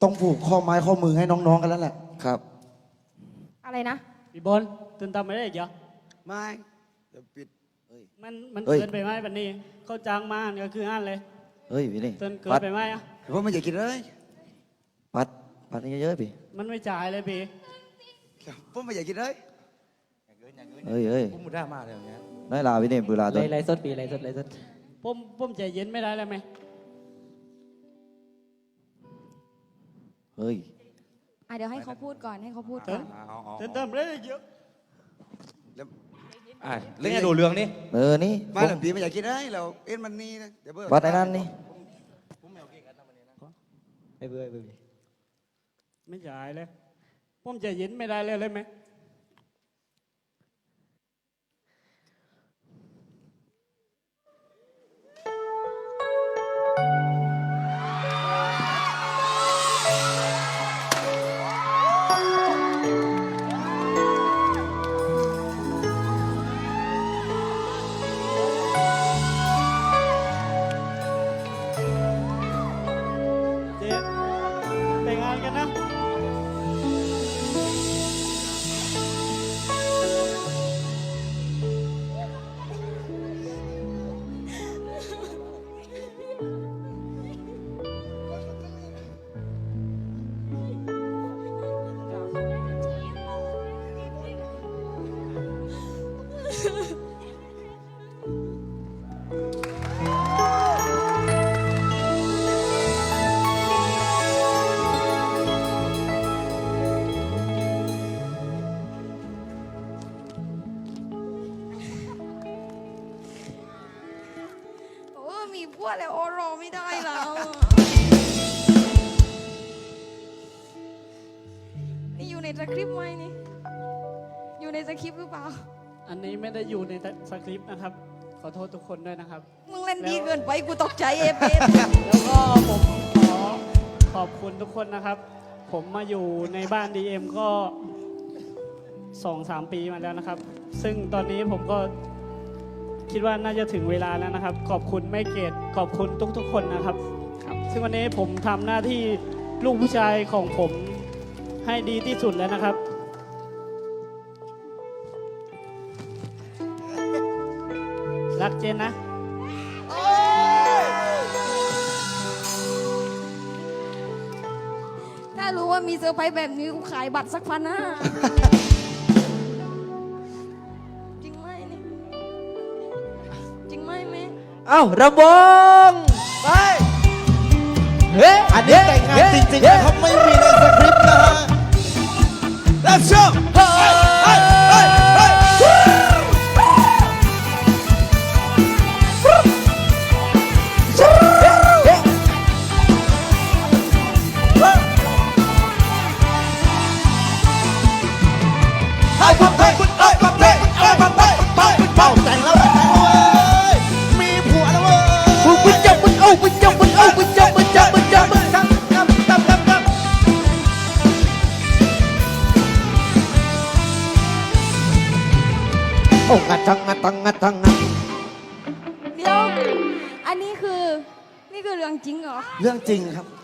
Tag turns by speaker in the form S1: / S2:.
S1: ต้องผูกข้อไม้ข้อมือให้น้องๆกันแล้วแหละครับ
S2: อะไรนะ
S3: พี่บอลตื่นตามไม่ได้อีกเหรอ
S4: ไม่เดี๋ยวปิด
S3: มันเกินไปไหมวันนี้เขาจ้างมาก็คืออ่านเลย
S1: เฮ้ยพี่นี่
S3: เกินไปไหมอ่ะ
S4: ผมไม่อยากกินเลย
S1: ปัดนี่เยอะๆพี่
S3: มันไม่จ่ายเลยพี่
S4: ผมไม่อยากกินเลย
S1: เฮ้ย
S5: ผมมุดได้มาเลยอย่างเงี้ย
S1: น้อยลาพี่นี่เวลาตัว
S5: ไรสดปีไรสด
S3: ผมใจเย็นไม่ได้เลยไหม
S1: เฮ้ย
S2: เดี๋ยวให้เขาพูดก่อนให้เขาพูดก่อน
S3: ตื่นตามไม่ได้เยอะ
S5: เรื่องดูเรื่องนี่
S1: นี่
S4: มาหลังปีไม่อยากกินเลยเราเอ็นมันนี่นะเดี๋ยวเบิร์
S1: ปัดไอ้นั่นนี่
S5: ไอ้เบื่อ
S3: ไม่จ่ายเลยผมใจเย็นไม่ได้เลยไหมแต่งงานกันนะ
S2: มีพวกแล้วโอรอไม่ได้แล้วนี่อยู่ในสคริปต์ไหมนี่อยู่ในสคริปต์หรือเปล่า
S3: อันนี้ไม่ได้อยู่ในสคริปต์นะครับขอโทษทุกคนด้วยนะครับ
S2: มึงเล่นดีเกินไปกูตกใจเอฟ
S3: แล้วก็ผมขอขอบคุณทุกคนนะครับผมมาอยู่ในบ้าน DM ก็ 2-3 ปีมาแล้วนะครับซึ่งตอนนี้ผมก็คิดว่าน่าจะถึงเวลาแล้วนะครับขอบคุณแม่เกดขอบคุณทุกๆคนนะครับซึ่งวันนี้ผมทำหน้าที่ลูกผู้ชายของผมให้ดีที่สุดแล้วนะครับรักเจนนะ
S2: ถ้ารู้ว่ามีเซอร์ไพรส์แบบนี้กูขายบัตรสัก1,500จริงไหมนี่จริงไหมแม่
S5: เอ้าระบงไปเฮ้ย
S1: อันนี้แต่งงานจริงๆนะครับไม่มีในสคริปต์นะฮะ
S4: Let's go
S1: แต่งแล้วมีผัวแล้วเว้ย
S5: มึงจับมึงเอามึงจับมึงเอามึงจับมึงจับมึงจับมึงจับ
S1: โอ้งัดทังงัดทังงัดทังงัด
S2: เดี๋ยวอันนี้คือเรื่องจริงเหรอ
S1: เรื่องจริงครับ